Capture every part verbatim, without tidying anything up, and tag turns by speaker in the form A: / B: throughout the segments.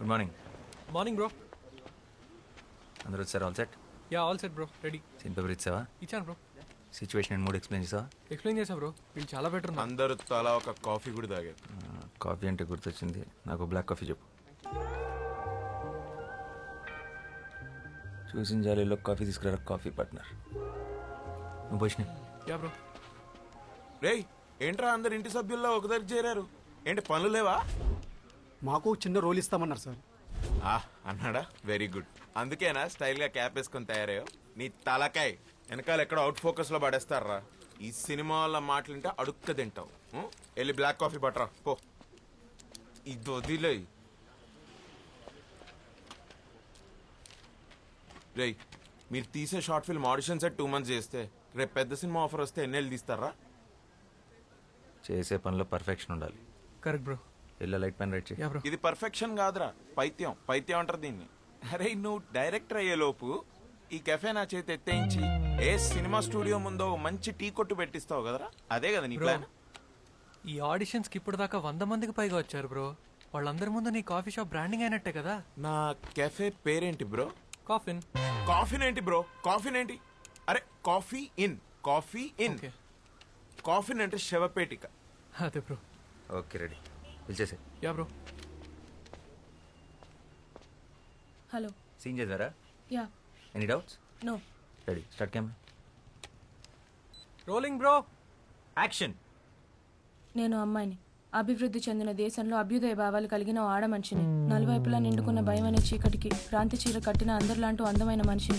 A: Good morning.
B: Morning bro.
A: అందరూ వచ్చారు? All set?
B: Yeah all set bro, ready.
A: Scene paper ఇచ్చావా?
B: ఇచ్చాను bro.
A: Situation and mood explain చేసావా?
B: Explain చేసా bro, వీళ్ళు చాలా బెటర్ ఉన్నారు.
C: అందరూ తలా ఒక కాఫీ కూడా తాగారు.
A: కాఫీ అంటే గుర్తొచ్చింది, నాకు బ్లాక్ కాఫీ చెప్పు. చూసిన జాలీలో కాఫీ తీసుకురా కాఫీ పార్ట్నర్. నువ్వు పోషణ.
B: Yeah bro.
C: రేయ్ ఏంట్రా అందరు ఇంటి సభ్యుల్లో ఒక దగ్గర చేరారు, ఏంటి పనులు లేవా?
D: మాకు చిన్న రోల్ ఇస్తామన్నారు సార్.
C: ఆ అన్నాడా, వెరీ గుడ్. అందుకేనా స్టైల్గా క్యాప్ వేసుకొని తయారయ్యో? నీ తలకాయ్ వెనకాల ఎక్కడ అవుట్ ఫోకస్లో పడేస్తారా? ఈ సినిమా వాళ్ళ మాటలుంటే అడుక్క తింటావు. ఉం? వెళ్ళి బ్లాక్ కాఫీ పట్టరా పో. ఇది వదిలే. రేయ్ మీరు తీసే short film audition set two months చేస్తే రేపు పెద్ద సినిమా ఆఫర్ వస్తే ఎన్నేళ్ళు తీస్తారా?
A: చేసే పనిలో పర్ఫెక్షన్ ఉండాలి.
B: Correct bro.
A: Yellow light pen write చేయి.
B: Yeah bro.
C: ఇది పర్ఫెక్షన్ కాదురా, పైత్యం. పైత్యం అంటారు దీన్ని. అరే నువ్వు డైరెక్టర్ అయ్యే లోపు ఈ కెఫే నా చేతి ఎత్తేయించి ఏ సినిమా స్టూడియో ముందో మంచి టీ కొట్టు పెట్టిస్తావు కదరా, అదే కదా నీ ప్లాన్.
B: ఈ ఆడిషన్స్కి ఇప్పుడు దాకా వంద మందికి పైగా వచ్చారు బ్రో. వాళ్ళందరి ముందు నీ కాఫీ షాప్ బ్రాండింగ్ అయినట్టే కదా.
C: నా కెఫే పేరేంటి బ్రో?
B: కాఫిన్.
C: కాఫీన్ ఏంటి బ్రో? కాఫీన్ ఏంటి? అరే coffee in, coffee in.
B: Okay.
C: Coffin అంటే శవపేటిక.
B: అదే బ్రో.
A: ఓకే రెడీ, పిలిచేసే.
B: Yeah bro.
E: హలో.
A: సీన్ చేద్దారా?
E: Yeah.
A: Any doubts?
E: No.
A: Ready, start camera.
B: Rolling bro.
A: Action.
E: నేను అమ్మాయిని, అభివృద్ధి చెందిన దేశంలో అభ్యుదయ భావాలు కలిగిన ఓ ఆడ మనిషిని, నలువైపులా నిండుకున్న భయం అనే చీకటికి క్రాంతి చీర కట్టిన అందరిలాంటి అందమైన మనిషిని.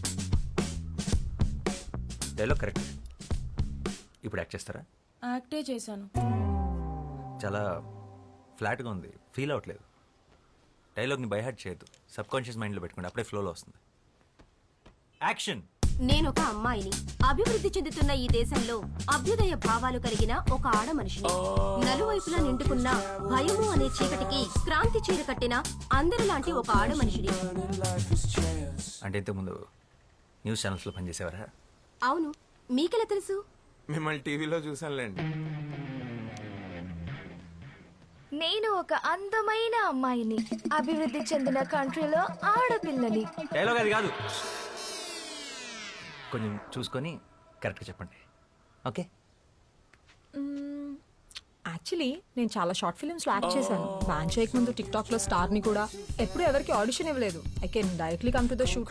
A: Dialogue correct. ఇప్పుడు యాక్ట్ చేస్తారా?
E: యాక్టే చేశాను.
A: చాలా ఫ్లాట్గా ఉంది, ఫీల్ అవ్వట్లేదు. డైలాగ్ని బైహార్ట్ చేయొద్దు, సబ్ కాన్షియస్ మైండ్లో పెట్టుకోండి, అప్పుడే ఫ్లోలో వస్తుంది. యాక్షన్.
F: నేను ఒక అమ్మాయిని, అభివృద్ధి చెందుతున్న ఈ దేశంలో అభ్యుదయ భావాలు కలిగిన ఒక ఆడ మనిషిని, నలువైపులా నిండుకున్న భయము అనే చీకటికి క్రాంతి చీర కట్టిన అందరిలాంటి ఒక ఆడ మనిషిని.
A: అంటే ఇంతకుముందు న్యూస్ ఛానల్స్లో పనిచేసేవారా?
F: అవును, మీకెలా తెలుసు?
C: మిమ్మల్ని టీవీలో చూసానులేండి.
G: నేను ఒక అందమైన అమ్మాయిని, అభివృద్ధి చెందిన కంట్రీలో ఆడపిల్లని.
A: డైలాగ్ అది కాదు, కొంచెం చూసుకొని కరెక్ట్గా చెప్పండి. ఓకే.
H: యాక్చువల్లీ నేను చాలా షార్ట్ ఫిల్మ్స్లో యాక్ట్ చేశాను. బ్యాన్ చేయక ముందు టిక్ టాక్లో స్టార్ని కూడా. ఎప్పుడు ఎవరికి ఆడిషన్ ఇవ్వలేదు. I can directly come to the shoot.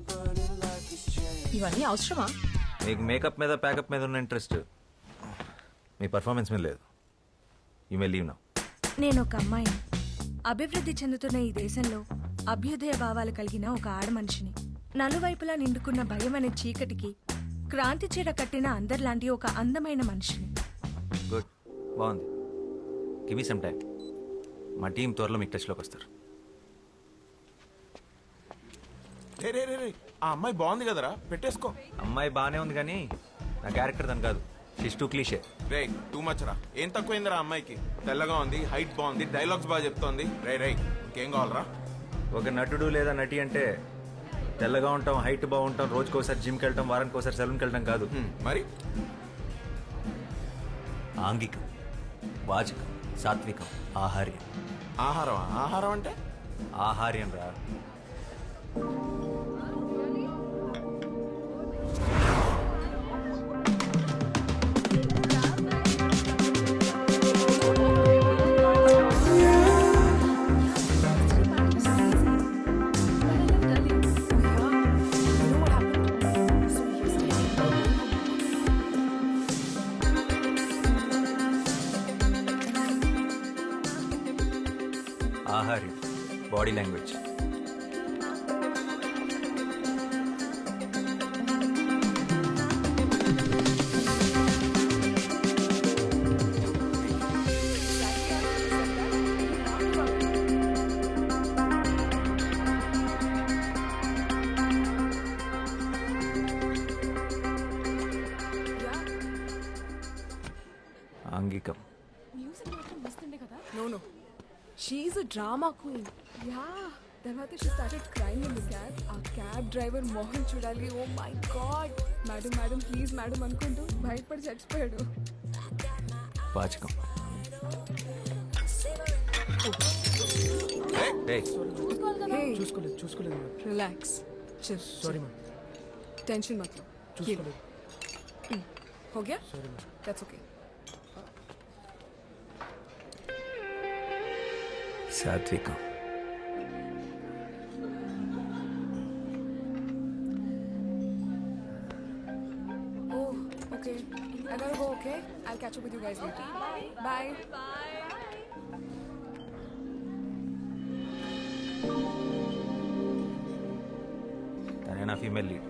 H: ఇవన్నీ అవసరమా?
A: మీకు మేకప్ మీద ప్యాకప్ మీద ఉన్న ఇంట్రెస్ట్ మీ పర్ఫార్మెన్స్ మీద లేదు. You may leave now.
G: నేను ఒక అమ్మాయిని, అభివృద్ధి చెందుతున్న ఈ దేశంలో అభ్యుదయ భావాలు కలిగిన ఒక ఆడ మనిషిని, నలువైపులా నిండుకున్న భయం అనే చీకటికి క్రాంతి చీర కట్టిన అందరిలాంటి ఒక అందమైన మనిషిని.
A: గుడ్, బాగుంది. Give me some time. మా టీం త్వరలో మీకు టచ్లోకి వస్తారు.
C: రే రే రే రే ఆ అమ్మాయి బాగుంది కదరా, పెట్టేసుకో.
A: అమ్మాయి బాగానే ఉంది కానీ నా క్యారెక్టర్ దాని కాదు. She's too cliche.
C: రే టూ మచ్ రా. ఏం తక్కువైందిరా అమ్మాయికి? తెల్లగా ఉంది, హైట్ బాగుంది, డైలాగ్స్ బాగా చెప్తోంది. రే రే ఇంకేం కావాలరా?
A: ఒక నటుడు లేదా నటి అంటే తెల్లగా ఉంటాం, హైట్ బాగుంటాం, రోజుకి ఒకసారి జిమ్కి వెళ్ళటం, వారానికి ఒకసారి సెలూన్కి వెళ్ళటం కాదు.
C: హ్మ్, మరి
A: ఆంగికం, వాచకం, సాత్వికం, ఆహార్యం.
C: ఆహారం. ఆహారం అంటే
A: ఆహార్యం రా. ఆహార్యం, బాడీ లాంగ్వేజ్. ఆంగికం.
H: No no, she's a drama queen. Yeah, తర్వాత she started crime in the cab. ఆ క్యాబ్ డ్రైవర్ మోహన్ చూడాలి. Oh my god, madam madam please madam అనుకుంటూ భయపడి చచ్చిపోయాడు.
A: వాచకం.
C: ఏ
A: ఏయ్
H: Hey,
D: చూసుకోలేదు చూసుకోలేదు
H: relax. Chill.
D: Sorry ma'am
H: Tension मत लो.
D: చూసుకోలేదు
H: हो गया?
D: Sorry ma'am
H: That's okay.
A: సాత్వికం.
H: Oh, okay. I gotta go, okay? I'll catch up with you guys later. Bye.
A: తనే నా female lead.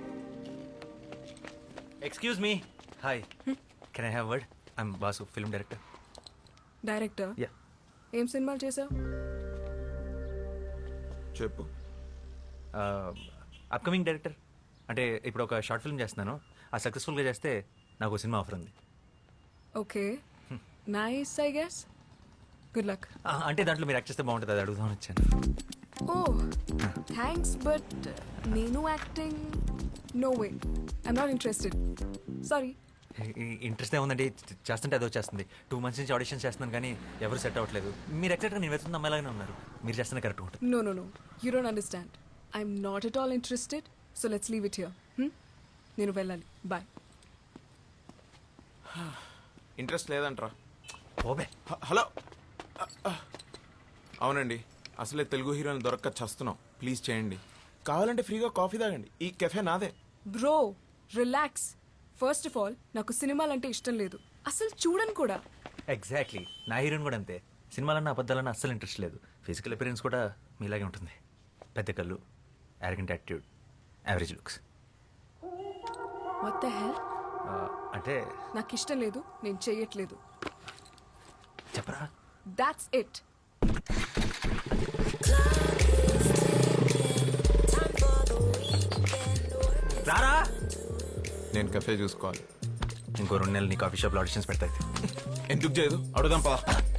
A: Excuse me. Hi, can I have word? I'm Basu, film director.
H: Director
A: yeah.
H: ఏం సినిమాలు చేసావు?
C: చెప్పు.
A: Upcoming director. అంటే ఇప్పుడు ఒక షార్ట్ ఫిల్మ్ చేస్తున్నాను. ఆ సక్సెస్ఫుల్గా చేస్తే నాకు ఒక సినిమా ఆఫర్ ఉంది.
H: Okay nice I guess. Good luck.
A: ఆ, అంటే దాంట్లో మీరు యాక్ట్ చేస్తే బాగుంటుంది, అది అడుగుదామని వచ్చాను.
H: ఓ థ్యాంక్స్ బట్ నేను acting no way I'm not interested sorry.
A: Interest ఏముందండి, చేస్తుంటే అదో చేస్తుంది. టూ మంత్స్ నుంచి ఆడిషన్స్ చేస్తున్నాను కానీ ఎవరు సెట్ అవ్వట్లేదు. మీరు ఎక్సెక్ట్గా నేను వెళ్తున్న అమ్మాయిలాగానే ఉన్నారు. మీరు చేస్తున్న కరెక్ట్ ఉంటుంది.
H: No no no you don't understand I'm not at all interested so let's leave it here. నేను వెళ్ళాలి. బాయ్.
C: ఇంట్రెస్ట్ లేదంట్రా.
A: ఓబే.
C: హ- హలో అ- అ. అవునండి, అసలే తెలుగు హీరోని దొరక్క చస్తున్నాం. ప్లీజ్ చేయండి. కావాలంటే ఫ్రీగా కాఫీ తాగండి. ఈ కెఫే నాదే.
H: Bro relax. First of all నాకు సినిమాలంటే ఇష్టం లేదు, అసలు చూడను కూడా.
A: ఎగ్జాక్ట్లీ, నా హీరోయిన్ కూడా అంతే. సినిమాలన్నా అబద్ధాలన్నా అస్సలు ఇంట్రెస్ట్ లేదు. ఫిజికల్ అపిరెన్స్ కూడా మీలాగే ఉంటుంది. పెద్ద కళ్ళు, arrogant attitude, average looks.
H: What the hell?
A: అంటే
H: నాకు ఇష్టం లేదు, నేను చెయ్యట్లేదు.
A: చెప్పరా.
H: That's it.
A: రారా.
C: నేను కెఫే చూసుకోవాలి.
A: ఇంకో రెండు నెలలు నీ కాఫీ షాప్లో ఆడిషన్స్ పెడతాయి.
C: ఎందుకు చేయదు? అడుగుదాం పా.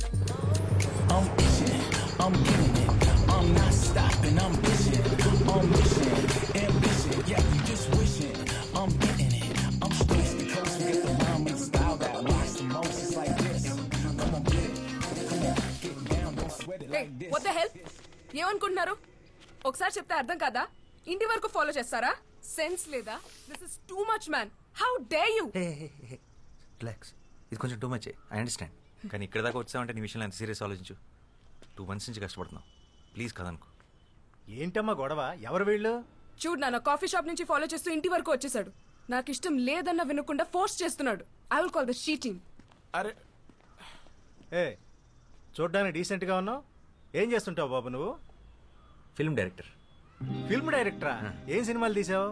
H: What the hell? ఏమనుకుంటున్నారు? ఒకసారి చెప్తే అర్థం కాదా? ఇంటి వరకు ఫాలో చేస్తారా? సెన్స్ లేదా? This is too much man. How dare you?
A: Relax, ఇది కొంచెం టూ మచ్. I understand. కానీ ఇక్కడ దాకా వచ్చావంటే నీ విషయంలో ఎంత సీరియస్ ఆలోచించు. టూ మంత్స్ నుంచి కష్టపడుతున్నావు. ప్లీజ్ కదనుకో.
I: ఏంటమ్మా గొడవ? ఎవరు వీళ్ళు?
H: చూడు నాన్న, కాఫీ షాప్ నుంచి ఫాలో చేస్తూ ఇంటి వరకు వచ్చేసాడు. నాకు ఇష్టం లేదన్న వినకుండా ఫోర్స్ చేస్తున్నాడు. I will call the shooting.
C: అరే
I: ఏ చూడ్డానికి డీసెంట్గా ఉన్నావు. ఏం చేస్తుంటావు బాబు నువ్వు?
A: Film director.
I: ఫిల్మ్ డైరెక్టరా? ఏం సినిమాలు తీసావు?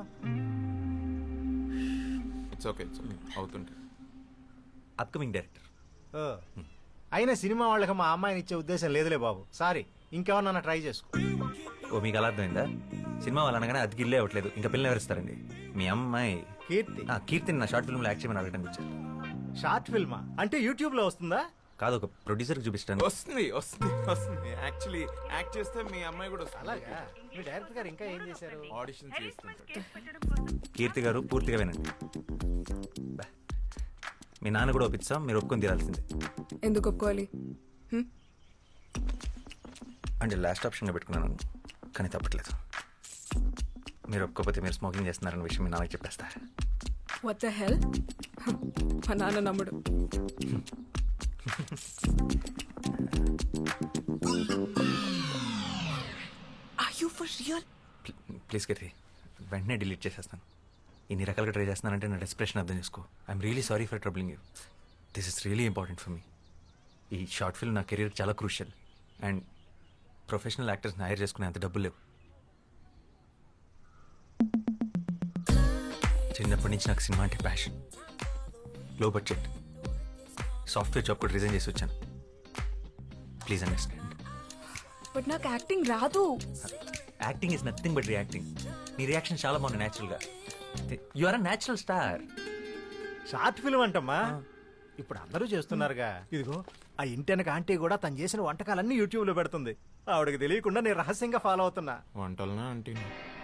C: ఇట్స్ ఓకే ఇట్స్ ఓకే అవుతుంటే.
A: Upcoming director.
I: ఓ, అయినా సినిమా వాళ్ళకి మా అమ్మాయిని ఇచ్చే ఉద్దేశం లేదులే బాబు. సారీ, ఇంకెవరన్నా ట్రై చేసుకో.
A: ఓ, మీకు అలా అర్థమైందా? సినిమా వాళ్ళు అనగానే అది గిల్లే అవ్వట్లేదు. ఇంకా పిల్లలు ఎవరిస్తారండి? మీ అమ్మాయి
I: కీర్తి.
A: ఆ, కీర్తిని నా షార్ట్ ఫిల్మ్లో యాక్ట్ చేయమని అడగడానికి వచ్చారు.
I: షార్ట్ ఫిల్మా? అంటే యూట్యూబ్లో వస్తుందా?
A: కాదు, ఒక ప్రొడ్యూసర్కి చూపిస్తాను.
C: వస్తుంది వస్తుంది వస్తుంది. యాక్చువల్లీ యాక్ట్ చేస్తే మీ అమ్మాయి కూడా వస్తుంది.
I: అలాగా? మీ డైరెక్టర్ గారు ఇంకా ఏం చేశారు?
C: ఆడిషన్ చేస్తుంటాడు.
A: కీర్తి గారు పూర్తిగా వినండి. బా. మీ నాన్న కూడా ఒప్పిస్తాం, మీరు ఒప్పుకొని తీరాల్సిందే.
H: ఎందుకు ఒప్పుకోవాలి? హ్మ్?
A: అంటే లాస్ట్ ఆప్షన్గా పెట్టుకున్నాను, కానీ తప్పట్లేదు. మీరు ఒప్పుకోకపోతే మీరు స్మోకింగ్ చేస్తున్నారన్న విషయం మీ నాన్నకి చెప్పేస్తా.
H: What the hell? మా నాన్న నమ్ముడు. Are you for real?
A: Please Keerthi, వెంటనే డిలీట్ చేసేస్తాను. ఇన్ని రకాలుగా ట్రై చేస్తున్నానంటే నా డెస్ప్రెషన్ అర్థం చేసుకో. I'm really sorry for troubling you. This is really important for me. ఈ షార్ట్ ఫిల్మ్ నా కెరీర్ చాలా క్రూషియల్. అండ్ ప్రొఫెషనల్ యాక్టర్స్ని హైర్ చేసుకునే అంత డబ్బులు లేవు. చిన్నప్పటి నుంచి నాకు సినిమా అంటే passion. Low budget software job కూడా రిజైన్ చేసి వచ్చాను. Please understand.
H: బట్ నాకు యాక్టింగ్ రాదు.
A: Acting is nothing but reacting. నీ రియాక్షన్ చాలా బాగుంది న్యాచురల్గా. You are a natural star.
I: Short film అంటమ్మా, ఇప్పుడు అందరూ చేస్తున్నారుగా. ఇదిగో ఆ ఇంటెనక ఆంటీ కూడా తను చేసిన వంటకాలన్నీ యూట్యూబ్లో పెడుతుంది. ఆవిడకి తెలియకుండా నేను రహస్యంగా ఫాలో అవుతున్నా.
C: వంటలనా అంటే